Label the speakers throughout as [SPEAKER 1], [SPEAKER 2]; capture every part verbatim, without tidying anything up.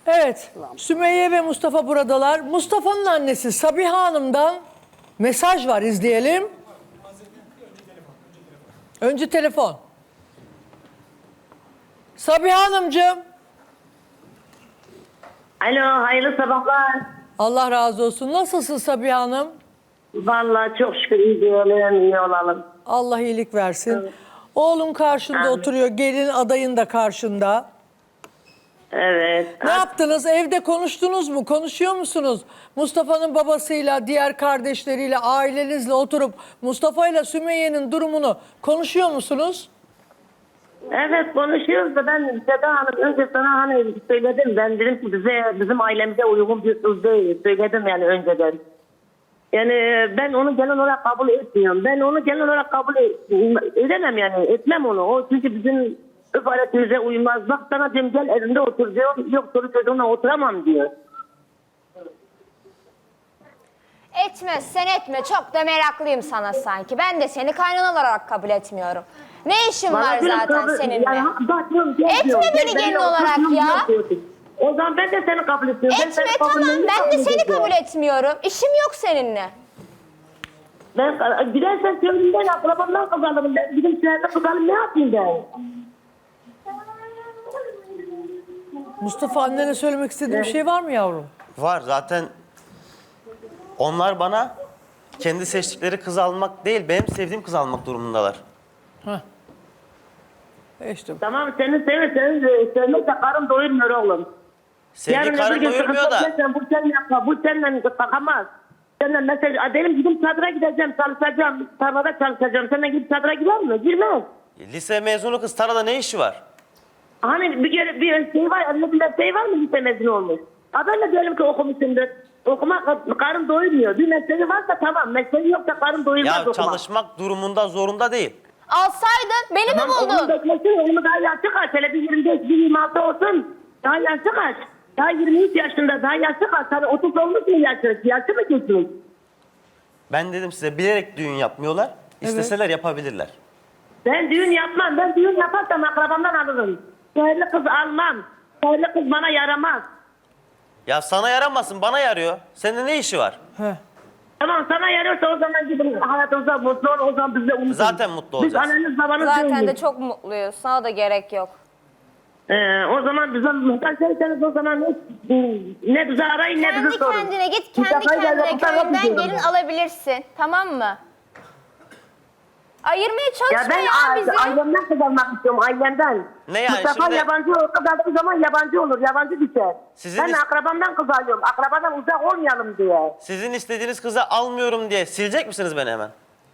[SPEAKER 1] Evet, Sümeyye ve Mustafa buradalar. Mustafa'nın annesi Sabiha Hanım'dan mesaj var, izleyelim. Önce telefon. Sabiha Hanımcığım.
[SPEAKER 2] Alo, hayırlı sabahlar.
[SPEAKER 1] Allah razı olsun. Nasılsın Sabiha Hanım?
[SPEAKER 2] Vallahi çok şükür iyi diyelim, iyi olalım.
[SPEAKER 1] Allah iyilik versin. Evet. Oğlun karşında
[SPEAKER 2] Amin.
[SPEAKER 1] oturuyor, gelin adayın da karşında.
[SPEAKER 2] Evet.
[SPEAKER 1] Ne yaptınız? Evde konuştunuz mu? Konuşuyor musunuz? Mustafa'nın babasıyla, diğer kardeşleriyle, ailenizle oturup Mustafa ile Sümeyye'nin durumunu konuşuyor musunuz?
[SPEAKER 2] Evet konuşuyoruz da ben Seda Hanım önce sana hani söyledim. Ben dedim ki bize, bizim ailemize uygun bir kız değil. Söyledim yani önceden. Yani ben onu genel olarak kabul etmiyorum. Ben onu genel olarak kabul edemem yani. Etmem onu. O çünkü bizim öf aletimize uymaz. Bak sana diyorum gel evimde otur diyor. Yok soru çocuğumla oturamam diyor.
[SPEAKER 3] Etmezsen etme. Çok da meraklıyım sana sanki. Ben de seni kaynan olarak kabul etmiyorum. Ne işin
[SPEAKER 2] Bana
[SPEAKER 3] var
[SPEAKER 2] diyorum,
[SPEAKER 3] zaten
[SPEAKER 2] kabul-
[SPEAKER 3] seninle?
[SPEAKER 2] Yani, bak diyorum, gel
[SPEAKER 3] Etme
[SPEAKER 2] diyorum.
[SPEAKER 3] beni
[SPEAKER 2] Ben-
[SPEAKER 3] gelin
[SPEAKER 2] ben-
[SPEAKER 3] olarak
[SPEAKER 2] ben-
[SPEAKER 3] ya.
[SPEAKER 2] O zaman ben de seni kabul etmiyorum. Ben
[SPEAKER 3] Etme
[SPEAKER 2] seni kabul
[SPEAKER 3] tamam.
[SPEAKER 2] etmiyorum,
[SPEAKER 3] Ben de
[SPEAKER 2] kabul
[SPEAKER 3] seni
[SPEAKER 2] ediyorum.
[SPEAKER 3] kabul etmiyorum. İşim yok seninle.
[SPEAKER 2] Ben gidersen köyümden akrabamdan kazanırım. Ben gidip şehirde kazanırım, ne yapayım ben?
[SPEAKER 1] Mustafa, annene söylemek istediğin bir şey var mı yavrum?
[SPEAKER 4] Var zaten. Onlar bana kendi seçtikleri kızı almak değil, benim sevdiğim kızı almak durumundalar.
[SPEAKER 1] Heh. E işte bu.
[SPEAKER 2] Tamam seni sevir, seni sevmekle karın doyurmuyor oğlum.
[SPEAKER 4] Sevgi
[SPEAKER 2] Yarın
[SPEAKER 4] karın
[SPEAKER 2] öbür gün
[SPEAKER 4] doyurmuyor
[SPEAKER 2] sıkıntı
[SPEAKER 4] da.
[SPEAKER 2] edersen bu seninle yapma, bu seninle takamaz. Senden mesela benim gidip çadıra gideceğim, çalışacağım, tarlada çalışacağım. Senden gidip çadıra girer mi? Girmez.
[SPEAKER 4] Lise mezunu kız tarlada ne işi var?
[SPEAKER 2] Hani bir, kere bir şey var, elinde bir şey var mı lise mezunu olmuş? Ha ben de diyelim ki okumuşumdur. Okuma karın doyurmuyor. Bir mesleği varsa tamam, mesleği yoksa karın doyurmaz
[SPEAKER 4] Ya
[SPEAKER 2] okuma.
[SPEAKER 4] çalışmak durumunda zorunda değil.
[SPEAKER 3] Alsaydın beni mi
[SPEAKER 2] Onun
[SPEAKER 3] buldun?
[SPEAKER 2] beklesin, onu daha yaşı kaç? Hele bir yirmi beş, bir yirmi altı olsun. Daha yaşı kaç? Daha yirmi üç yaşında, daha yaşı kaç? Hani otuz olmuş mu yaşı? Yaşı mı geçmiş?
[SPEAKER 4] Ben dedim size bilerek düğün yapmıyorlar. İsteseler yapabilirler.
[SPEAKER 2] Ben düğün yapmam. Ben düğün yaparsam akrabamdan alırım. Şehirli kız almam. Şehirli kız bana yaramaz.
[SPEAKER 4] Ya sana yaramasın, bana yarıyor. Senin ne işi var?
[SPEAKER 1] Heh.
[SPEAKER 2] Tamam sana yarıyorsa o zaman gidin hayatınıza mutlu ol. O zaman biz de unutun.
[SPEAKER 4] Zaten mutlu
[SPEAKER 2] Biz
[SPEAKER 4] olacağız.
[SPEAKER 2] anneniz babanız
[SPEAKER 3] Zaten
[SPEAKER 2] değiliz.
[SPEAKER 3] de çok mutluyuz. Sana da gerek yok.
[SPEAKER 2] Ee, o zaman bize muhtaç değilseniz o zaman ne, ne bizi arayın ne bizi
[SPEAKER 3] Kendi
[SPEAKER 2] sorun.
[SPEAKER 3] kendine git.
[SPEAKER 2] Bir
[SPEAKER 3] Kendi
[SPEAKER 2] defa geldi,
[SPEAKER 3] kendine
[SPEAKER 2] bu tarafa
[SPEAKER 3] köyünden
[SPEAKER 2] gidiyorum
[SPEAKER 3] gelin
[SPEAKER 2] ben.
[SPEAKER 3] alabilirsin. Tamam mı? Ayırmaya
[SPEAKER 2] Ya
[SPEAKER 3] çalışma
[SPEAKER 2] ben
[SPEAKER 3] ya,
[SPEAKER 2] a-
[SPEAKER 3] bizi.
[SPEAKER 2] ailemden kazanmak istiyorum, ailemden.
[SPEAKER 4] Ne yani
[SPEAKER 2] Mustafa
[SPEAKER 4] şimdi-
[SPEAKER 2] yabancı olur, kazandığı zaman yabancı olur, yabancı düşer.
[SPEAKER 4] Sizin
[SPEAKER 2] Ben
[SPEAKER 4] is-
[SPEAKER 2] akrabamdan kız alıyorum, akrabadan uzak olmayalım diye.
[SPEAKER 4] Sizin istediğiniz kızı almıyorum diye silecek misiniz beni hemen?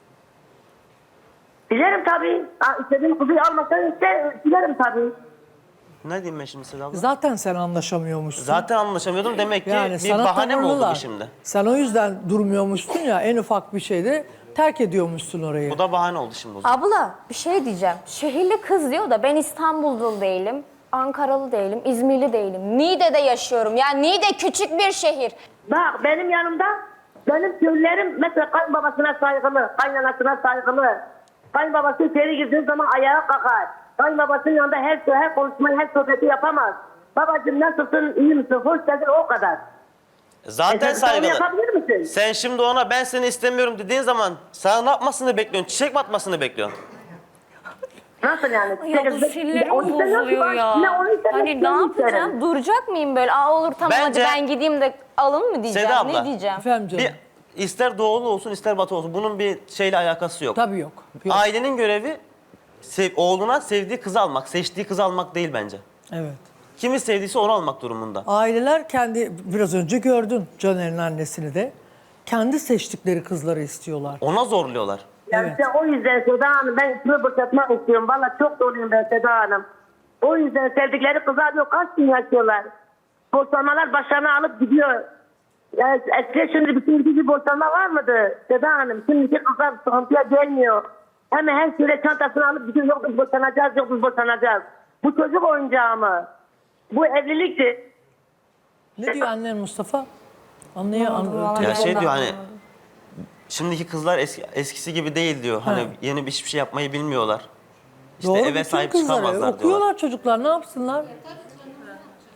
[SPEAKER 2] Dilerim tabii. Ha, istediğim kızı almasan işte dilerim tabii.
[SPEAKER 4] Ne diyeyim ben şimdi Seda abla?
[SPEAKER 1] Zaten sen anlaşamıyormuşsun.
[SPEAKER 4] Zaten anlaşamıyordum. Demek ki
[SPEAKER 1] Yani
[SPEAKER 4] bir
[SPEAKER 1] sana
[SPEAKER 4] bahane mi oldu
[SPEAKER 1] tavırlılar.
[SPEAKER 4] bu şimdi?
[SPEAKER 1] Sen o yüzden durmuyormuşsun ya, en ufak bir şeyde terk ediyormuşsun orayı.
[SPEAKER 4] Bu da bahane oldu şimdi o zaman.
[SPEAKER 3] Abla bir şey diyeceğim. Şehirli kız diyor da ben İstanbul'da değilim. Ankaralı değilim, İzmirli değilim. Niğde'de yaşıyorum. Ya Niğde küçük bir şehir.
[SPEAKER 2] Bak benim yanımda benim köylülerim mesela kayınbabasına saygılı, kaynanasına saygılı. Kayınbabası içeri girdiği zaman ayağa kalkar. Kayınbabasının yanında her şey, her konuşmayı, her sohbeti yapamaz. Babacığım nasılsın, iyi misin, hoş geldin o kadar.
[SPEAKER 4] Zaten
[SPEAKER 2] E sen bunu
[SPEAKER 4] saygılı.
[SPEAKER 2] yapabilir misin?
[SPEAKER 4] Sen şimdi ona ben seni istemiyorum dediğin zaman sana ne yapmasını bekliyorsun? Çiçek mi atmasını bekliyorsun?
[SPEAKER 2] Nasıl yani?
[SPEAKER 3] Ay abla sinirlerim
[SPEAKER 2] Onu istemiyorum ki
[SPEAKER 3] bozuluyor
[SPEAKER 2] ben-
[SPEAKER 3] ya.
[SPEAKER 2] Ne onu istemiyorum,
[SPEAKER 3] Hani ne
[SPEAKER 2] seni
[SPEAKER 3] yapacağım?
[SPEAKER 2] isterim.
[SPEAKER 3] Duracak mıyım böyle? Aa olur tamam
[SPEAKER 4] Bence-
[SPEAKER 3] hadi ben gideyim de alın mı diyeceğim?
[SPEAKER 4] Seda abla.
[SPEAKER 3] Ne diyeceğim?
[SPEAKER 1] Efendim canım.
[SPEAKER 4] Bir, ister doğulu olsun ister batı olsun. Bunun bir şeyle alakası yok.
[SPEAKER 1] Tabii yok. yok.
[SPEAKER 4] Ailenin görevi sev- oğluna sevdiği kızı almak, seçtiği kızı almak değil bence.
[SPEAKER 1] Evet.
[SPEAKER 4] Kimi sevdiyse onu almak durumunda.
[SPEAKER 1] Aileler kendi, biraz önce gördün Caner'in annesini de, kendi seçtikleri kızları istiyorlar.
[SPEAKER 4] Ona zorluyorlar.
[SPEAKER 2] Yani
[SPEAKER 1] Evet.
[SPEAKER 2] işte o yüzden Seda Hanım ben içimi boşaltmak istiyorum. Valla çok doluyum ben Seda Hanım. O yüzden sevdikleri kızlar yok. Kaç gün yaşıyorlar. Boşanmalar başlarına alıp gidiyor. Yani eskiden şimdi bütün bir boşanma var mıydı Seda Hanım? Şimdiki kızlar sıkıntıya gelmiyor. Hemen her süre çantasını alıp gidiyor. Yok biz boşanacağız, yok biz boşanacağız. Bu çocuk oyuncağı mı? Bu evlilikti.
[SPEAKER 1] Ne diyor annen Mustafa? Anlaya anlıyor.
[SPEAKER 4] Ya şey diyor hani şimdiki kızlar eski, eskisi gibi değil diyor. Hani yeni bir hiçbir şey yapmayı bilmiyorlar. İşte
[SPEAKER 1] Doğru,
[SPEAKER 4] eve
[SPEAKER 1] bütün
[SPEAKER 4] sahip
[SPEAKER 1] kızlar
[SPEAKER 4] çıkamazlar
[SPEAKER 1] okuyorlar
[SPEAKER 4] diyorlar.
[SPEAKER 1] çocuklar, ne yapsınlar?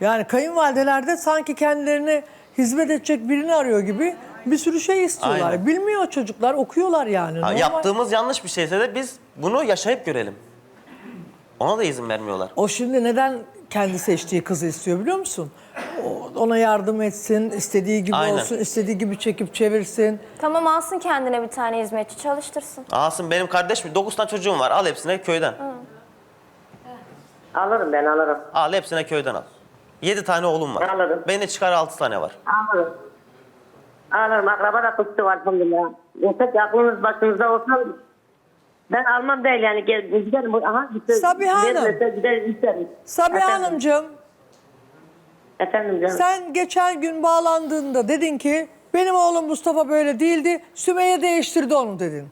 [SPEAKER 1] Yani kayınvalideler de sanki kendilerine hizmet edecek birini arıyor gibi bir sürü şey istiyorlar.
[SPEAKER 4] Aynen.
[SPEAKER 1] Bilmiyor çocuklar, okuyorlar yani.
[SPEAKER 4] Ha,
[SPEAKER 1] Normal.
[SPEAKER 4] yaptığımız yanlış bir şeyse de biz bunu yaşayıp görelim. Ona da izin vermiyorlar.
[SPEAKER 1] O şimdi neden kendi seçtiği kızı istiyor biliyor musun? O- Ona yardım etsin, istediği gibi
[SPEAKER 4] Aynen.
[SPEAKER 1] olsun, istediği gibi çekip çevirsin.
[SPEAKER 3] Tamam, alsın kendine bir tane hizmetçi, çalıştırsın.
[SPEAKER 4] Alsın, benim kardeş mi? dokuz tane çocuğum var. Al hepsine köyden.
[SPEAKER 2] Alırım ben alırım.
[SPEAKER 4] Al hepsine köyden al. yedi tane oğlum var.
[SPEAKER 2] Anladım.
[SPEAKER 4] Beni çıkar altı tane var.
[SPEAKER 2] Alırım. Alırım. Akraba da kutsu var alhamdülillah. Yeter ki aklınız başınızda olsa ben almam değil yani. Gel, giderim. Aha, giderim.
[SPEAKER 1] Sabiha Hanım.
[SPEAKER 2] Vermese giderim isterim.
[SPEAKER 1] Sabiha
[SPEAKER 2] Efendim?
[SPEAKER 1] Hanımcığım,
[SPEAKER 2] Efendim canım.
[SPEAKER 1] sen geçen gün bağlandığında dedin ki benim oğlum Mustafa böyle değildi, Sümeyye değiştirdi onu dedin.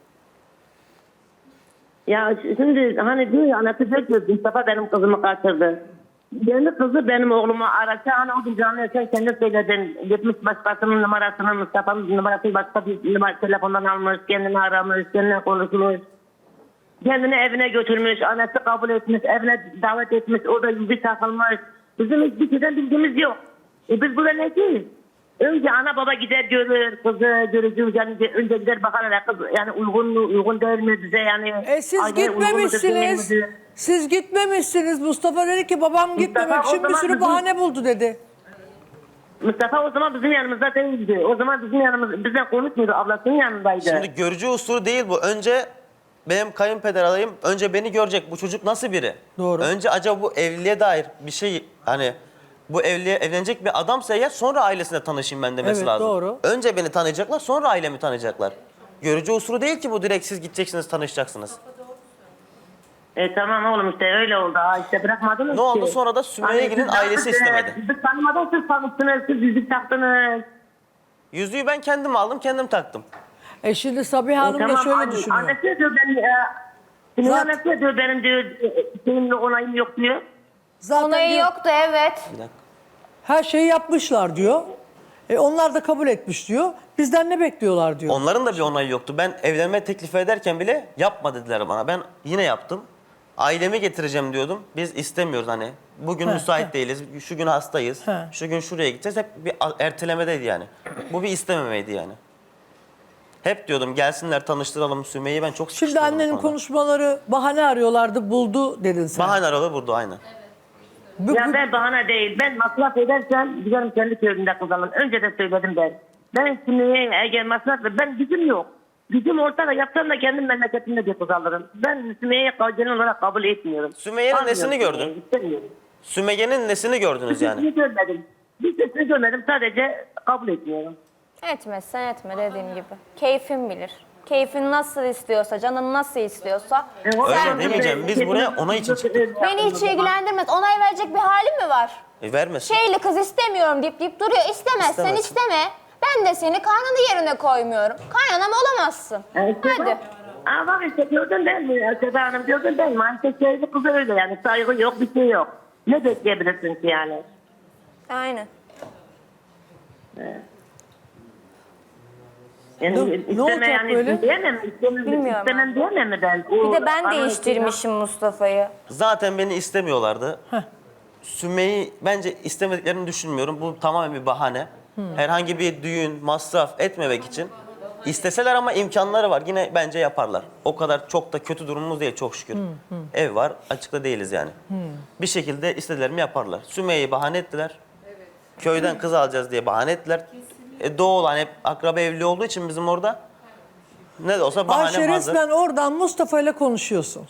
[SPEAKER 2] Ya şimdi hani diyor ya anası diyor ki Mustafa benim kızımı kaçırdı. Kendi kızı benim oğlumu arasa hani o gün canlı sen kendi söyledin. Gitmiş başkasının numarasını Mustafa'nın numarasını başka bir numara, telefondan almış. Kendini aramış, kendine konuşmuş. Kendini evine götürmüş. Annesi kabul etmiş, evine davet etmiş. O da yüzü takılmış. Bizim hiçbir şeyden bilgimiz yok. E biz burada ne değil? Önce ana baba gider görür, kızı görücü yani önce gider bakar hele kız yani uygun mu, uygun değil mi bize yani.
[SPEAKER 1] E siz
[SPEAKER 2] aileye uygun mudur,
[SPEAKER 1] gitmemişsiniz.
[SPEAKER 2] değil midir?
[SPEAKER 1] Siz gitmemişsiniz. Mustafa dedi ki babam gitmemek
[SPEAKER 2] o
[SPEAKER 1] için bir
[SPEAKER 2] zaman
[SPEAKER 1] sürü
[SPEAKER 2] bizim-
[SPEAKER 1] bahane buldu dedi.
[SPEAKER 2] Mustafa o zaman bizim yanımızda değildi. O zaman bizim yanımız, bizden konuşmuyordu, ablasının yanındaydı.
[SPEAKER 4] Şimdi görücü usulü değil bu. Önce benim kayınpeder adayım önce beni görecek. Bu çocuk nasıl biri?
[SPEAKER 1] Doğru.
[SPEAKER 4] Önce acaba bu evliliğe dair bir şey hani bu evliye evlenecek bir adamsa eğer sonra ailesine tanışayım ben demesi
[SPEAKER 1] Evet,
[SPEAKER 4] lazım.
[SPEAKER 1] doğru.
[SPEAKER 4] Önce beni tanıyacaklar sonra ailemi tanıyacaklar. Görücü usulü değil ki bu, direkt siz gideceksiniz tanışacaksınız.
[SPEAKER 2] E tamam oğlum işte öyle oldu. Ha işte bırakmadınız
[SPEAKER 4] Ne oldu?
[SPEAKER 2] ki.
[SPEAKER 4] Sonra da Sümeyye'nin
[SPEAKER 2] siz
[SPEAKER 4] ailesi
[SPEAKER 2] yaptınız,
[SPEAKER 4] istemedi.
[SPEAKER 2] Siz tanımadan siz tanıştınız, siz yüzük taktınız.
[SPEAKER 4] Yüzüğü ben kendim aldım kendim taktım.
[SPEAKER 1] E şimdi Sabiha Hanım da şöyle
[SPEAKER 2] anne-
[SPEAKER 1] düşünüyor.
[SPEAKER 2] Annesi de diyor ben, e, kimin
[SPEAKER 1] Zaten-
[SPEAKER 2] annesi de diyor benim diyor, e, şeyimle onayım yok diyor.
[SPEAKER 1] Zaten
[SPEAKER 3] Onayı
[SPEAKER 1] diyor,
[SPEAKER 3] yoktu, evet.
[SPEAKER 4] Bir dakika.
[SPEAKER 1] her şeyi yapmışlar diyor. E onlar da kabul etmiş diyor. Bizden ne bekliyorlar diyor.
[SPEAKER 4] Onların da bir onayı yoktu. Ben evlenme teklifi ederken bile yapma dediler bana. Ben yine yaptım. Ailemi getireceğim diyordum. Biz istemiyoruz hani. Bugün
[SPEAKER 1] He,
[SPEAKER 4] müsait
[SPEAKER 1] he.
[SPEAKER 4] değiliz. Şu gün hastayız.
[SPEAKER 1] He.
[SPEAKER 4] Şu gün şuraya gideceğiz. Hep bir a- ertelemedeydi yani. Bu bir istememeydi yani. Hep diyordum gelsinler tanıştıralım Sümeyye'yi, ben çok
[SPEAKER 1] Şimdi
[SPEAKER 4] sıkıştırdım
[SPEAKER 1] annenin
[SPEAKER 4] bu konuda.
[SPEAKER 1] konuşmaları bahane arıyorlardı, buldu dedin sen.
[SPEAKER 4] Bahane aradı burada aynen.
[SPEAKER 1] Bu-
[SPEAKER 2] Ya
[SPEAKER 1] bu-
[SPEAKER 2] ben bahane değil. Ben masraf edersem giderim kendi köyümde kızalım. Önce de söyledim ben. Ben şimdi eğer masraf ben gücüm yok. Gücüm olsa da yapsam da kendim memleketimde bir kız alırım. Ben Sümeyye'yi genel olarak kabul etmiyorum.
[SPEAKER 4] Sümeyye'nin
[SPEAKER 2] Almıyorum
[SPEAKER 4] nesini gördün?
[SPEAKER 2] Sümeyye'yi, istemiyorum.
[SPEAKER 4] Sümeyye'nin nesini gördünüz yani?
[SPEAKER 2] Sesini görmedim. Bir sesini görmedim, sadece kabul etmiyorum.
[SPEAKER 3] Etmezsen etme, dediğim gibi. Keyfin bilir. Keyfin nasıl istiyorsa, canın nasıl istiyorsa.
[SPEAKER 2] E, o-
[SPEAKER 4] Öyle
[SPEAKER 3] sen
[SPEAKER 4] demeyeceğim.
[SPEAKER 3] bilir.
[SPEAKER 4] Biz buraya onay için çıktık.
[SPEAKER 3] Beni hiç ilgilendirmez. Onay verecek bir halim mi var?
[SPEAKER 4] E, vermesin.
[SPEAKER 3] Şeyli kız istemiyorum deyip deyip duruyor. İstemezsen
[SPEAKER 4] İstemez.
[SPEAKER 3] isteme. Ben de seni kaynana yerine koymuyorum. Kaynanam olamazsın.
[SPEAKER 2] E, işte
[SPEAKER 3] Hadi.
[SPEAKER 2] bak- Aa bak işte gördün değil mi? Seda Hanım gördün değil mi? Hani şeyli kız öyle yani. Saygı yok, bir şey yok. Ne bekleyebilirsin ki yani?
[SPEAKER 3] Aynen.
[SPEAKER 2] Yani
[SPEAKER 1] Ne- ne
[SPEAKER 2] isteme
[SPEAKER 1] olacak
[SPEAKER 2] yani
[SPEAKER 1] böyle?
[SPEAKER 2] diyemem, istemem,
[SPEAKER 3] Bilmiyorum
[SPEAKER 2] istemem diyemem mi ben? O,
[SPEAKER 3] Bir de ben
[SPEAKER 2] bana-
[SPEAKER 3] değiştirmişim Mustafa'yı.
[SPEAKER 4] Zaten beni istemiyorlardı. Sümeyye'yi bence istemediklerini düşünmüyorum. Bu tamamen bir bahane. Herhangi bir düğün, masraf etmemek için. İsteseler ama imkanları var. Yine bence yaparlar. O kadar çok da kötü durumumuz değil çok şükür. Ev var, açıkta değiliz yani. Bir şekilde istedilerimi yaparlar. Sümeyye'yi bahane ettiler. Köyden kız alacağız diye bahane ettiler. E, doğu olan hep akraba evli olduğu için bizim orada ne de olsa bahane
[SPEAKER 1] Ayşe
[SPEAKER 4] hazır.
[SPEAKER 1] resmen oradan Mustafa ile konuşuyorsun.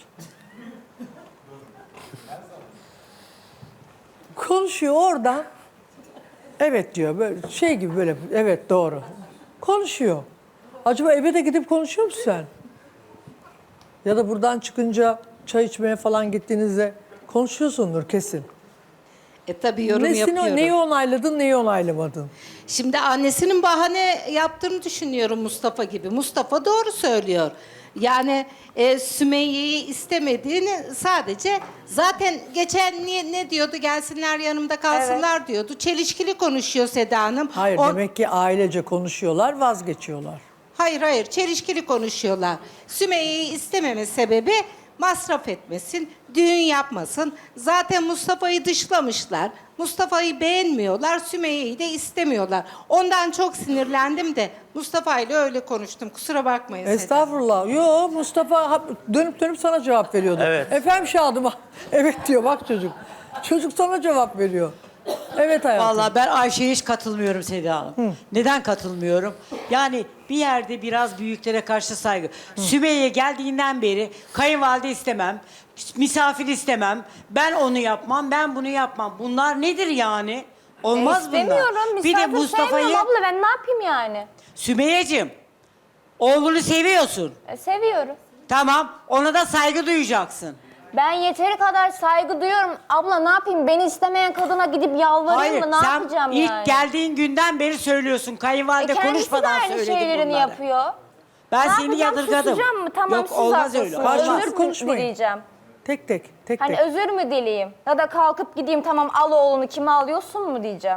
[SPEAKER 1] Konuşuyor oradan. Evet diyor böyle şey gibi böyle evet doğru. Konuşuyor. Acaba eve de gidip konuşuyor musun sen? Ya da buradan çıkınca çay içmeye falan gittiğinizde konuşuyorsundur kesin.
[SPEAKER 5] E tabii yorum
[SPEAKER 1] Nesini,
[SPEAKER 5] yapıyorum.
[SPEAKER 1] neyi onayladın, neyi onaylamadın?
[SPEAKER 5] Şimdi annesinin bahane yaptığını düşünüyorum Mustafa gibi. Mustafa doğru söylüyor. Yani e, Sümeyye'yi istemediğini sadece zaten geçen ne, ne diyordu gelsinler yanımda kalsınlar diyordu. Çelişkili konuşuyor Seda Hanım.
[SPEAKER 1] Hayır
[SPEAKER 5] O-
[SPEAKER 1] demek ki ailece konuşuyorlar, vazgeçiyorlar.
[SPEAKER 5] Hayır hayır çelişkili konuşuyorlar. Sümeyye'yi istememe sebebi masraf etmesin, düğün yapmasın. Zaten Mustafa'yı dışlamışlar. Mustafa'yı beğenmiyorlar, Sümeyye'yi de istemiyorlar. Ondan çok sinirlendim de Mustafa ile öyle konuştum. Kusura bakmayın. Seda.
[SPEAKER 1] Estağfurullah. Yo, Mustafa ha- dönüp dönüp sana cevap veriyordu.
[SPEAKER 4] Evet.
[SPEAKER 1] Efendim Şadım. Evet diyor bak çocuk. Çocuk sana cevap veriyor. Evet hayatım.
[SPEAKER 6] Vallahi ben Ayşe'ye hiç katılmıyorum Seda Hanım. Neden katılmıyorum? Yani bir yerde biraz büyüklere karşı saygı. Sümeyye geldiğinden beri kayınvalide istemem, misafir istemem, ben onu yapmam, ben bunu yapmam. Bunlar nedir yani? Olmaz bunlar.
[SPEAKER 3] İstemiyorum.
[SPEAKER 6] Bir de
[SPEAKER 3] Misafir
[SPEAKER 6] Mustafa'yı,
[SPEAKER 3] sevmiyorum abla, ben ne yapayım yani?
[SPEAKER 6] Sümeyye'cim, oğlunu seviyorsun.
[SPEAKER 3] E, seviyorum.
[SPEAKER 6] Tamam, ona da saygı duyacaksın.
[SPEAKER 3] Ben yeteri kadar saygı duyuyorum. Abla ne yapayım? Beni istemeyen kadına gidip yalvarayım
[SPEAKER 6] Hayır,
[SPEAKER 3] mı? Ne
[SPEAKER 6] sen
[SPEAKER 3] yapacağım
[SPEAKER 6] ilk
[SPEAKER 3] yani?
[SPEAKER 6] geldiğin günden beri söylüyorsun.
[SPEAKER 3] E,
[SPEAKER 6] Kayınvalide
[SPEAKER 3] kendisi de
[SPEAKER 6] konuşmadan
[SPEAKER 3] aynı
[SPEAKER 6] söyledi
[SPEAKER 3] şeylerini
[SPEAKER 6] bunları.
[SPEAKER 3] yapıyor.
[SPEAKER 6] Ben
[SPEAKER 3] Ne
[SPEAKER 6] seni
[SPEAKER 3] yapacağım?
[SPEAKER 6] yadırgadım.
[SPEAKER 3] Susacağım mı? Tamam,
[SPEAKER 6] Yok
[SPEAKER 3] siz
[SPEAKER 6] olmaz
[SPEAKER 3] haklısınız.
[SPEAKER 6] öyle.
[SPEAKER 1] Karşılıklı
[SPEAKER 6] Olmaz.
[SPEAKER 3] Özür mü
[SPEAKER 1] konuşmayın.
[SPEAKER 3] dileyeceğim?
[SPEAKER 1] Tek tek tek
[SPEAKER 3] Hani
[SPEAKER 1] tek.
[SPEAKER 3] özür mü dileyeyim? Ya da kalkıp gideyim tamam al oğlunu kime alıyorsun mu diyeceğim.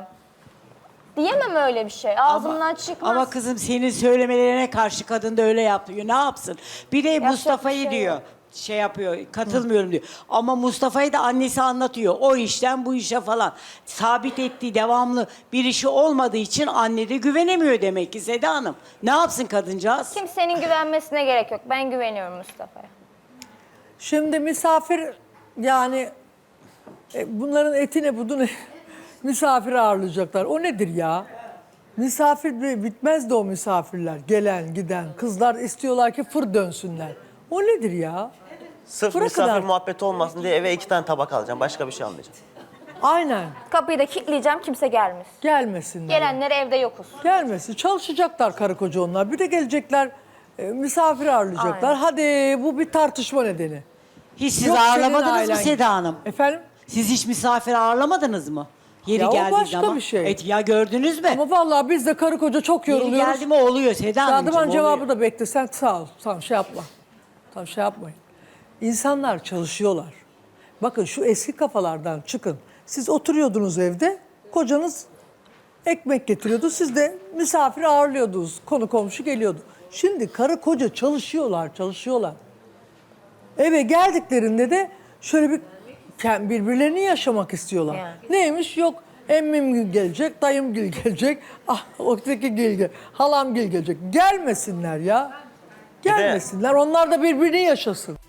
[SPEAKER 3] Diyemem öyle bir şey. Ağzımdan
[SPEAKER 6] Ama,
[SPEAKER 3] çıkmaz.
[SPEAKER 6] ama kızım senin söylemelerine karşı kadın da öyle yapıyor. Ne yapsın? Bir de Mustafa'yı
[SPEAKER 3] bir şey
[SPEAKER 6] diyor.
[SPEAKER 3] yok.
[SPEAKER 6] Şey yapıyor, katılmıyorum diyor. Ama Mustafa'yı da annesi anlatıyor. O işten bu işe falan. Sabit ettiği devamlı bir işi olmadığı için anne de güvenemiyor demek ki Seda Hanım. Ne yapsın kadıncağız?
[SPEAKER 3] Kimsenin güvenmesine gerek yok. Ben güveniyorum Mustafa'ya.
[SPEAKER 1] Şimdi misafir yani e, bunların etine budunu misafir ağırlayacaklar. O nedir ya? Misafir bi- bitmez de o misafirler. Gelen giden kızlar istiyorlar ki fır dönsünler. O nedir ya?
[SPEAKER 4] Sırf
[SPEAKER 1] Bırakın
[SPEAKER 4] misafir
[SPEAKER 1] artık.
[SPEAKER 4] muhabbeti olmasın diye eve iki tane tabak alacağım. Başka bir şey almayacağım.
[SPEAKER 1] Aynen.
[SPEAKER 3] Kapıyı da kilitleyeceğim, kimse gelmesin.
[SPEAKER 1] Gelmesinler.
[SPEAKER 3] Gelenler evde yokuz.
[SPEAKER 1] Gelmesin. Çalışacaklar karı koca onlar. Bir de gelecekler e, misafir ağırlayacaklar.
[SPEAKER 3] Aynen.
[SPEAKER 1] Hadi bu bir tartışma nedeni.
[SPEAKER 6] Hiç siz
[SPEAKER 1] Yok, senin
[SPEAKER 6] ağırlamadınız mı
[SPEAKER 1] ailen-
[SPEAKER 6] Seda Hanım?
[SPEAKER 1] Efendim?
[SPEAKER 6] Siz hiç misafir ağırlamadınız mı? Yeri
[SPEAKER 1] Ya o
[SPEAKER 6] geldiği
[SPEAKER 1] başka
[SPEAKER 6] zaman.
[SPEAKER 1] bir şey.
[SPEAKER 6] Evet, ya gördünüz mü?
[SPEAKER 1] Ama vallahi biz de karı koca çok
[SPEAKER 6] Yeri
[SPEAKER 1] yoruluyoruz.
[SPEAKER 6] geldi mi oluyor Seda Hanımcığım.
[SPEAKER 1] Şadıman cevabı
[SPEAKER 6] oluyor.
[SPEAKER 1] da bekle. Sen sağ ol. Tamam şey yapma. Tamam şey yapmayın. İnsanlar çalışıyorlar. Bakın şu eski kafalardan çıkın. Siz oturuyordunuz evde. Kocanız ekmek getiriyordu. Siz de misafir ağırlıyordunuz. Konu komşu geliyordu. Şimdi karı koca çalışıyorlar, çalışıyorlar. Eve geldiklerinde de şöyle bir kend- birbirlerini yaşamak istiyorlar.
[SPEAKER 3] Yani.
[SPEAKER 1] Neymiş? Yok emmim gelecek, dayım gil gelecek, ah öteki gil gel, halam gil gelecek. Gelmesinler ya.
[SPEAKER 4] de-
[SPEAKER 1] Gelmesinler. Onlar da birbirini yaşasın.